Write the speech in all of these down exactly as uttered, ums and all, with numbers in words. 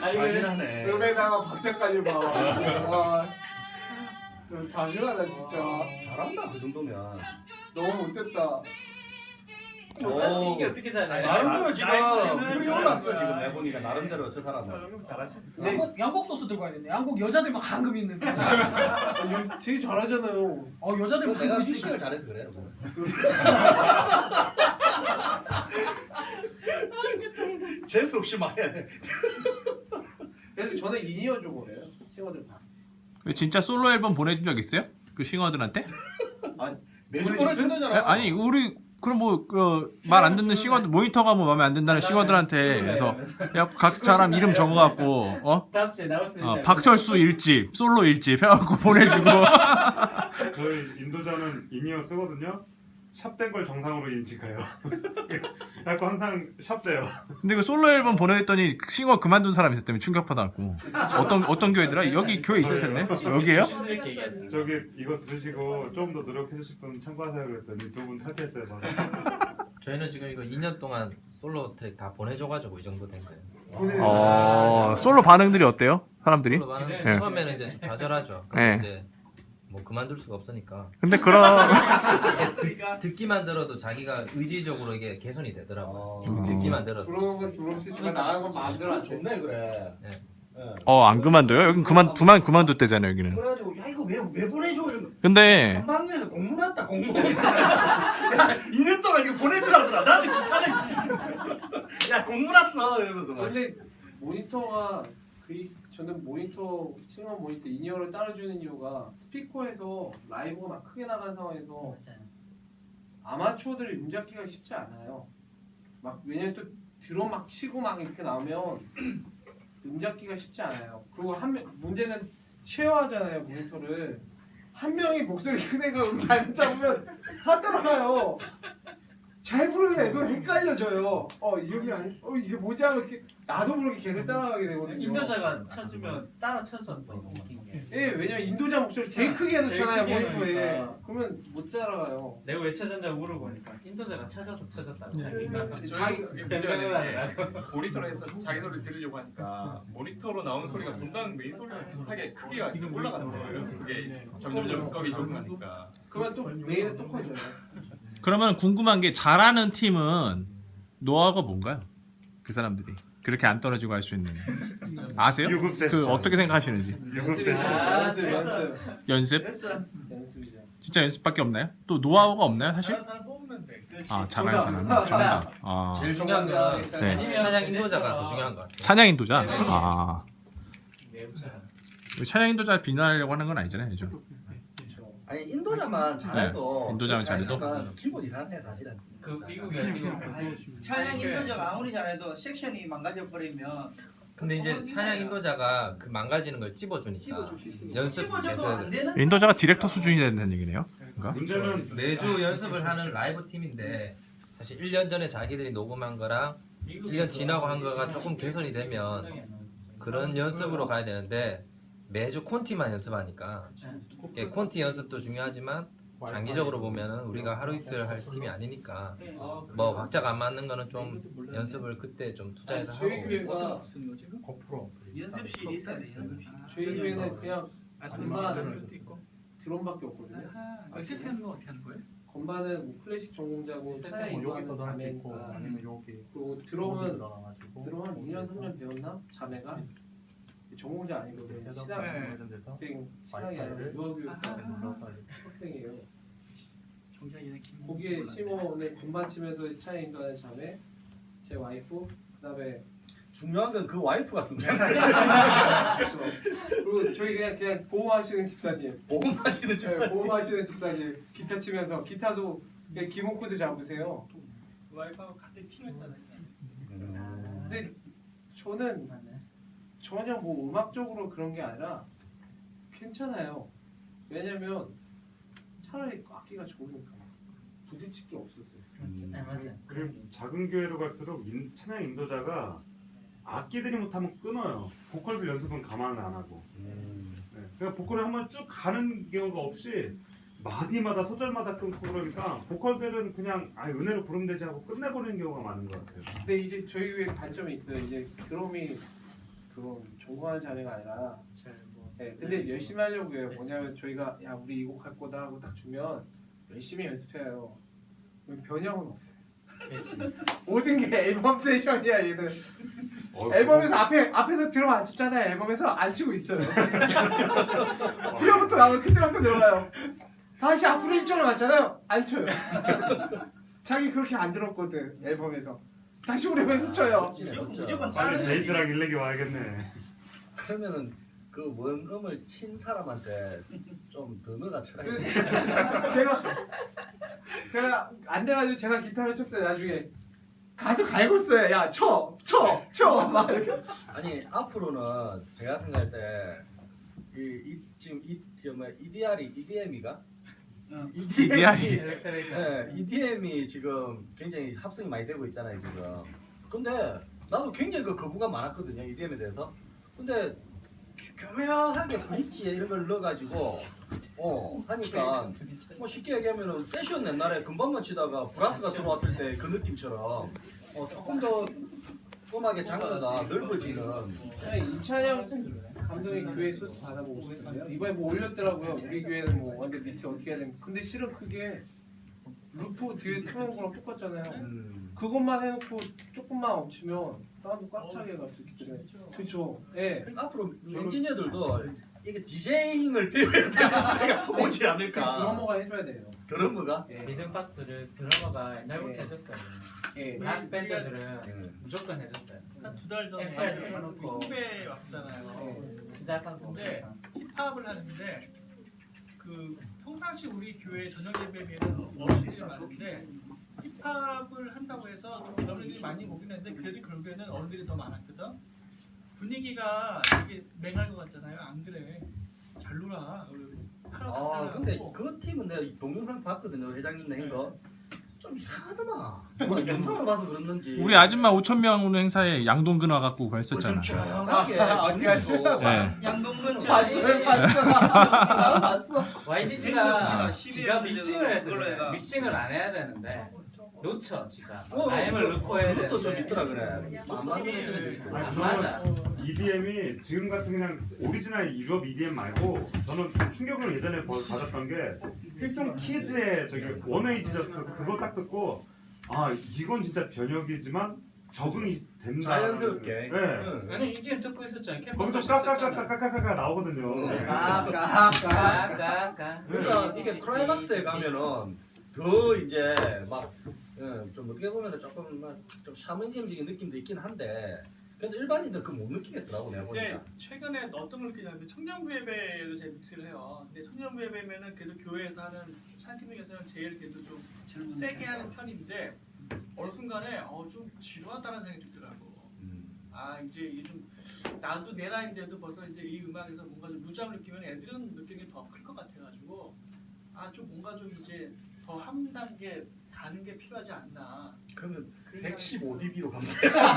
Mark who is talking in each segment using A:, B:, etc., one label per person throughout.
A: 잔인하네.
B: 음에다가 박자까지 봐. 와, 좀 잔인하다 진짜.
A: 잘한다 그 정도면.
B: 너무 못됐다.
A: 오.
C: 이게 어떻게 잘해?
A: 나름대로 지금
C: 나이프는
A: 풀이
C: 잘하는
A: 올랐어
C: 거야.
A: 지금 해보니까 나름대로 저 사람은.
C: 형 잘하셔.
B: 네.
D: 양복, 양복 소스 들고 와야 되네. 양복 여자들만 황금 있는데.
B: 아, 되게 잘하잖아요.
D: 어 여자들
A: 내가
D: 황금
A: 픽싱을
D: 있으니까.
A: 잘해서 그래. 재수 없이 말해야 돼.
B: 그래서 저는 인이어 줘 그래요. 싱어들 다.
E: 진짜 솔로 앨범 보내준 적 있어요? 그 싱어들한테?
A: 매주
D: 보내준다잖아.
E: 아니 우리 그럼 뭐그말 안 듣는 싱어들 모니터가 뭐 마음에 안 든다는 싱어들한테 그래서 야 각 사람 이름 적어갖고 어?
C: 다음 주에 나올 수 있는.
E: 어 박철수 일집 솔로 일집 해갖고 보내주고
F: 저희 인도자는 인이어 쓰거든요. 샵된 걸 정상으로 인식해요. 그래서 항상 샵돼요.
E: 근데 그 솔로 앨범 보내줬더니 싱어 그만둔 사람이 있었다며 충격받아갖고 어떤 어떤 교회더라? 여기 교회 있을 텐데 여기에요?
C: 조심스럽게 얘기하지.
F: 저기 이거 들으시고 좀 더 노력해 주실 분 참고하세요 그랬더니 두 분 탈퇴했어요. 바로.
G: 저희는 지금 이거 이 년 동안 솔로 트랙 다 보내줘가지고 이 정도 된 거예요.
E: 어 솔로 반응들이 어때요? 사람들이?
G: 솔로 반응
E: 네.
G: 처음에는 이제 좀 좌절하죠.
E: 네.
G: 근데 이제 뭐 그만둘 수가 없으니까
E: 근데 그런
G: 듣, 듣기만 들어도 자기가 의지적으로 이게 개선이 되더라고.
A: 어.
G: 듣기만 들어도.
B: 들어오는 건 들어올 수 있지만 나가는 건 마음대로 안 돼.
A: 좋네 그래.
G: 네.
A: 예.
E: 어 안 그만둬요? 여기 그만 그만 그만뒀대잖아요 여기는.
A: 그래가지고 야 이거 왜 왜 보내줘 이러면
E: 근데
A: 한방에서 공문 왔다 공문. 야 이 년 동안 이거 보내주라더라. 나도 귀찮아. 이씨. 야 공문 왔어 이러면서 막.
B: 근데 모니터가 그 저는 모니터 싱어 모니터 인이어를 따라주는 이유가 스피커에서 라이브가 막 크게 나간 상황에서 아마추어들이 음 잡기가 쉽지 않아요. 막 왜냐면 또 드럼 막 치고 막 이렇게 나오면 음 잡기가 쉽지 않아요. 그리고 한 명, 문제는 쉐어하잖아요 모니터를. 한 명이 목소리 큰 애가 음 잘못 잡으면 다 따라가요. 잘 부르는 애도 헷갈려져요. 어 이게 아니, 어 이게 뭐지 하고 이렇게 나도 모르게 걔를 따라가게 되거든요.
C: 인도자가 쳐주면 따라 쳐줘 또 웃긴 게.
B: 예, 왜냐면 인도자 목소리 제일 크게 해놓잖아요
C: 제일 크게
B: 모니터에.
C: 해놓으니까.
B: 그러면 못 따라가요.
C: 내가 왜 쳐졌냐고 물어보니까 인도자가 쳐져서 쳐졌다고. 자기가.
B: 자기
H: 그게 문제가 되는 게 모니터로 해서 자기 소리 들으려고 하니까 모니터로 나오는 소리가 본당 메인 소리랑 비슷하게 크기가 계속 올라가는 거예요. 그게 점점점 거기 적응하니까.
B: 그러면 또 메인은 또 커져요.
E: 그러면 궁금한 게 잘하는 팀은 노하우가 뭔가요? 그 사람들이 그렇게 안 떨어지고 할 수 있는 아세요?
F: 유급 세션.
E: 그 어떻게 생각하시는지
F: 유급
B: 연습이
F: 세션.
B: 연습 연습
E: 연습?
B: 연습이죠.
E: 진짜 연습밖에 없나요? 또 노하우가 없나요 사실?
C: 다른 사람 뽑으면 돼.
E: 아 잘하는 사람 정답. 아
G: 제일 중요한 건
E: 네.
G: 찬양 인도자가 더 중요한 것 같아요.
E: 찬양 인도자.
C: 네.
E: 아
C: 내부자.
E: 찬양 인도자 비난하려고 하는 건 아니잖아요, 요즘.
A: 아니 인도자만 잘해도
E: 네, 인도자만 잘해도?
A: 약간 기분 이상해 사실은.
C: 그 미국이야 미국.
I: 찬양 인도자가 아무리 잘해도 섹션이 망가져 버리면
G: 근데 이제 찬양 인도자가 그 망가지는 걸 찝어주니까
I: 찝어줄 수 있으니까
G: 연습
I: 찝어줘도 안
G: 계속
I: 되는
E: 인도자가 디렉터 수준이 된다는 얘기네요. 그러니까?
F: 문제는
G: 매주 연습을 하는 라이브 팀인데 사실 일 년 전에 자기들이 녹음한 거랑 일 년 지나고 한 거가 조금 개선이 되면 그런 연습으로 가야 되는데 매주 콘티만 연습하니까 예, 콘티 연습도 중요하지만 장기적으로 보면은 우리가 하루 이틀 할 팀이 아니니까 뭐 박자가 안 맞는 거는 좀 연습을 그때 좀 투자해서 하고
B: 저희 교회가
I: 연습실이 있어야 돼. 연습실.
B: 저희 교회는 그냥
C: 아,
B: 건반
C: 것도 있고.
B: 드럼밖에 없거든요.
C: 아, 세트하는 거 어떻게 하는 거예요?
B: 건반은 뭐 클래식 전공자고 찬양 인도하는 자매니까. 그리고 드럼은 드럼 한 이 년 삼 년 배웠나? 자매가 전공자 아니거든요. 신학생 신학이 아니라 유아교육 학생이에요.
C: 종장이네 김.
B: 거기에 심어오는 건반 치면서 찬양 인도하는 자매, 제 와이프, 그다음에
A: 중요한 건 그 와이프가 중요한 거야.
B: 그렇죠. 그리고 저희 그냥 그냥 보호하시는 집사님,
A: 보험하시는
B: 네,
A: 집사님.
B: 보호하시는 집사님 기타 치면서 기타도 그냥 기본 코드 잡으세요.
C: 와이프하고 같은 팀이었잖아요.
B: 근데 저는 전혀 뭐 음악적으로 그런 게 아니라 괜찮아요. 왜냐면 차라리 악기가 좋으니까 부딪힐 게 없었어요.
C: 맞아 맞아.
F: 그리고 작은 교회로 갈수록 인, 찬양 인도자가 악기들이 못하면 끊어요. 보컬들 연습은 가만을 안 하고. 네. 그러니까 보컬을 한번 쭉 가는 경우가 없이 마디마다 소절마다 끊고 그러니까 보컬들은 그냥 아 은혜로 부르면 되지 하고 끝내버리는 경우가 많은 것 같아요.
B: 근데 이제 저희 교회 단점이 있어요. 이제 드럼이 그런 존경하는 자매가 아니라
C: 잘뭐
B: 네, 근데 열심히 하려고 해요. 뭐냐면 저희가 야 우리 이 곡 할 거다 하고 딱 주면 열심히 연습해요. 그럼 변형은 없어요. 모든 게 앨범 세션이야 얘는.
F: 어,
B: 앨범에서 앞에 앞에서 드럼 안 쳤잖아요. 앨범에서 안 치고 있어요. 후렴부터 나오면 그때부터 들어가요. 다시 앞으로 일 절을 맞잖아요. 안 쳐요. 자기 그렇게 안 들었거든 앨범에서. 다시 후렴에서 쳐요.
I: 무조건 무조건
F: 빨리
I: 자르는
F: 베이스랑 일렉이 와야겠네.
G: 그러면은 그 원음을 친 사람한테 좀 더 넣어가 쳐라.
B: 그, 제가 제가 안 돼가지고 제가 기타를 쳤어요. 나중에 가서 갈고 있어요. 야 쳐, 쳐, 쳐. 막 이렇게.
G: 아니 앞으로는 제가 생각할 때 이, 이 지금 이 뭐야 이디알이 이디엠이가
E: 이디알이
G: 네, 이디엠이 지금 굉장히 합성이 많이 되고 있잖아요 지금. 근데 나도 굉장히 그 거부감 많았거든요 이디엠에 대해서. 근데 교묘하게 브릿지 이런 걸 넣어가지고 어 하니까 뭐 쉽게 얘기하면은 세션 옛날에 금방만 치다가 브라스가 들어왔을 때 그 느낌처럼 어 조금 더 음악의 장르가 넓어지는.
B: 이찬영 감독이 교회 소스 받아보고 있어요. 이번에 뭐 올렸더라고요. 우리 교회는 뭐 완전 미스 어떻게 해야 되는. 근데 실은 그게 루프 뒤에 트는 거랑 똑같잖아요.
G: 음.
B: 그것만 해놓고 조금만 엎치면 사운드 꽉 차게 갈 수 있기 때문에. 그렇죠. 예.
G: 그러니까 앞으로 엔지니어들도 이게 디제잉을 배워야 되는 시대가 오지 않을까.
B: 드러머가 해줘야 돼요.
G: 드러머가?
B: 예.
C: 리듬 박스를 드러머가 옛날부터
B: 예.
C: 해줬어요.
B: 예.
C: 락 밴드들은
G: 예.
C: 무조건 해줬어요.
J: 한 두 달 전에
C: 앱
J: 우리
C: 해놓고.
J: 후배 왔잖아요.
C: 시작한
J: 근데
C: 건데
J: 힙합을 하는데 그 평상시 우리 교회 저녁 예배에는 어르신들이 많은데 힙합을 한다고 해서 좀 어른들이 많이 오긴 했는데 그래도 결국에는 어른들이 더 많았거든. 분위기가 되게 맹할 것 같잖아요. 안 그래? 잘 놀아.
G: 아 근데 그 팀은 내가 동영상 봤거든요 회장님 낸 거. 좀 이상하더만. 정말 영상으로 봐서 그랬는지.
E: 우리 아줌마 오천 명 오는 행사에 양동근 와갖고 그랬었잖아.
G: 조용하게.
B: 아, 어떻게 하죠?
E: 네.
I: 양동근
B: 봤어요, 봤어. 나 봤어.
C: 와이디지가
I: 지금
C: 지가
I: 씨비에스
C: 믹싱을 해서
I: 그걸로
C: 그래.
I: 해가.
C: 믹싱을 안 해야 되는데 놓쳐 지가
G: 어,
C: 라임을 넣고 해야
G: 그것도 좀
C: 되는데
G: 있더라 그래. 안 맞는 애들이 있고.
C: 안
F: 아니,
C: 맞아.
F: 이디엠이 지금 같은 그냥 오리지널 유럽 이디엠 말고 저는 좀 충격을 예전에 버- 받았던 게 필송 키즈의 저기 원웨이 지저스 그거 딱 듣고 아 이건 진짜 변혁이지만 적응이 된다.
G: 자연스럽게.
F: 네.
G: 응.
C: 아니 이제 듣고 있었잖아. 캠퍼스
F: 거기서 까까까까까까까 나오거든요.
B: 까까까.
C: 까까까.
G: 그러니까 이게 클라이막스에 가면은 더 이제 막 좀 어떻게 보면 조금 막 좀 샤머니즘적인 느낌도 있긴 한데 그래도 일반인들 그거 못 느끼겠더라고 내가
J: 근데
G: 보니까.
J: 최근에 어떤 걸 느끼냐면 청년부 예배로 제 믹스를 해요. 근데 청년부 예배면은 그래도 교회에서 하는 찬양 중에서는 제일 그래도 좀 세게 하는 편인데 어느 순간에 어, 좀 지루하다는 생각이 들더라고.
G: 음.
J: 아 이제 이게 좀 나도 내 나이인데도 벌써 이제 이 음악에서 뭔가 좀 무장을 느끼면 애들은 느끼는 더 클 것 같아가지고 아 좀 뭔가 좀 이제 더 한 단계 가는 게 필요하지 않나.
G: 그러면
J: 그런
G: 백십오 디비로 가면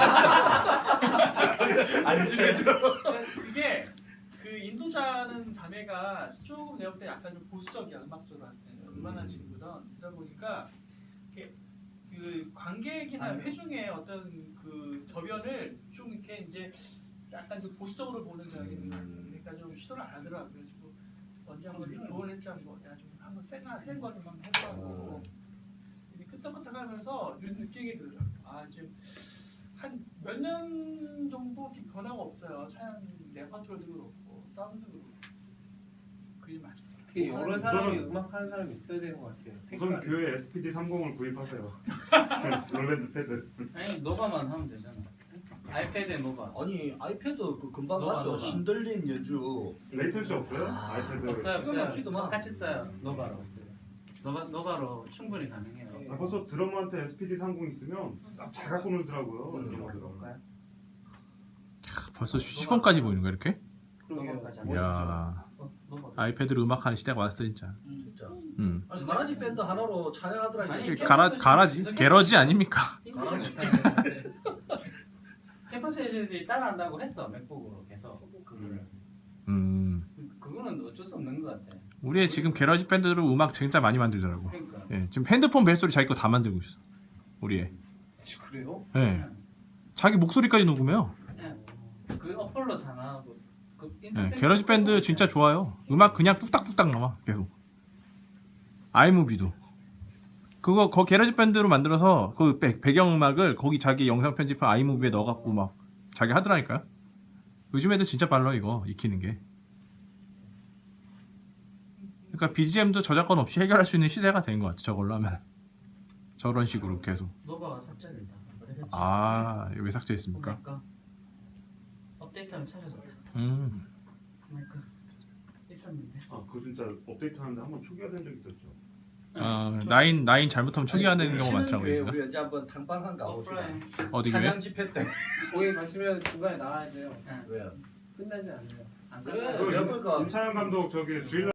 J: 안 되죠. 이게 그 인도자는 자매가 조금 내가 볼 때 약간 좀 보수적이야 음악적으로 봤을 때는 음악하는 친구든 그러다 보니까 이렇게 그 관객이나 회중의 어떤 그 저변을 좀 이렇게 이제 약간 좀 보수적으로 보는 경향이 있는 것 같아요. 그러니까 좀 시도를 안 하더라고. 그래가지고 언제 한번 조언했자 뭐 내가 좀 한번 센 센 거좀 한번 해보라고. 이제 끄떡끄떡하면서 이런 느낌이 들어요. 아 지금 한 몇 년 정도 이렇게 변화가 없어요. 차양 레퍼토리도 그렇고 사운드도 그렇고 그게 맞죠.
B: 특히 여러 사람이 음악 하는 사람이 있어야 되는 것 같아요.
F: 우선 교회 에스피디 삼십을 구입하세요. 롤밴드 패드.
C: 아니 노바만 하면 되잖아. 아이패드에 노바.
G: 아니 아이패드 그 금방
C: 노바,
G: 봤죠.
C: 노바.
G: 신들린 연주.
F: 레이턴시 없어요?
G: 아,
F: 아이패드.
C: 없어요
G: 이거는
C: 없어요.
G: 키도 막-
C: 똑같이 써요. 노바로 없어요. 노바 노바로 충분히 가능해요.
F: 아, 벌써 드러머한테 에스피디 삼십 있으면 딱 잘 갖고 놀더라고요.
G: 음.
F: 드러머들은.
E: 벌써 시범까지 보이는 거야 이렇게?
C: 노바까지 안
E: 이야
C: 어, 노바.
E: 아이패드로 음악하는 시대가 왔어 진짜.
G: 진짜.
E: 음.
G: 아니 가라지 밴드 하나로 찬양하더라
C: 아니,
G: 이게.
C: 캠퍼스
E: 가라 가라지
C: 캠퍼스
E: 게러지 아닙니까?
C: 인지를 못하는데. 캠퍼스 에이전들이 따라한다고 했어 맥북으로 계속 그거를.
E: 음.
C: 그거는 어쩔 수 없는 것 같아.
E: 우리 지금 게러지 밴드로 음악 진짜 많이 만들더라고.
C: 그러니까.
E: 예, 지금 핸드폰 벨소리 자기 거 다 만들고 있어. 우리 애.
B: 그래요?
E: 예. 자기 목소리까지 녹음해요.
C: 그냥 그 어플로 다 나오고 그
E: 네,
C: 인터페이스
E: 게러지 밴드 진짜 좋아요. 음악 그냥 뚝딱뚝딱 나와 계속. 아이무비도 그거 거 게러지 밴드로 만들어서 그 배, 배경 음악을 거기 자기 영상 편집한 아이무비에 넣어갖고 막 자기 하더라니까요. 요즘 애들 진짜 빨라 이거 익히는 게. 그러니까 비지엠도 저작권 없이 해결할 수 있는 시대가 된 것 같아. 저걸로 하면 저런 식으로 계속.
C: 노바가 삭제된다.
E: 아, 이거 왜 삭제했습니까?
C: 그러니까 업데이트하면 찾아줬다.
E: 음.
C: 그러니까 있었는데.
F: 아, 그거 진짜 업데이트하는데 한번 초기화된 적 있었죠.
E: 아, 나인 나인 잘못하면 초기화되는 경우가 많더라고요.
I: 우리 언제 한번 당방 한가 봅시다.
C: 오프라인.
E: 어디
I: 찬양
E: 교회?
I: 집회 때.
B: 거기 가시면 중간에 나와야 돼요.
I: 왜요?
B: 끝나지 않아요.
C: 안
I: 그래.
C: 그래.
I: 여러분 거
F: 임찬영 감독 저기 주일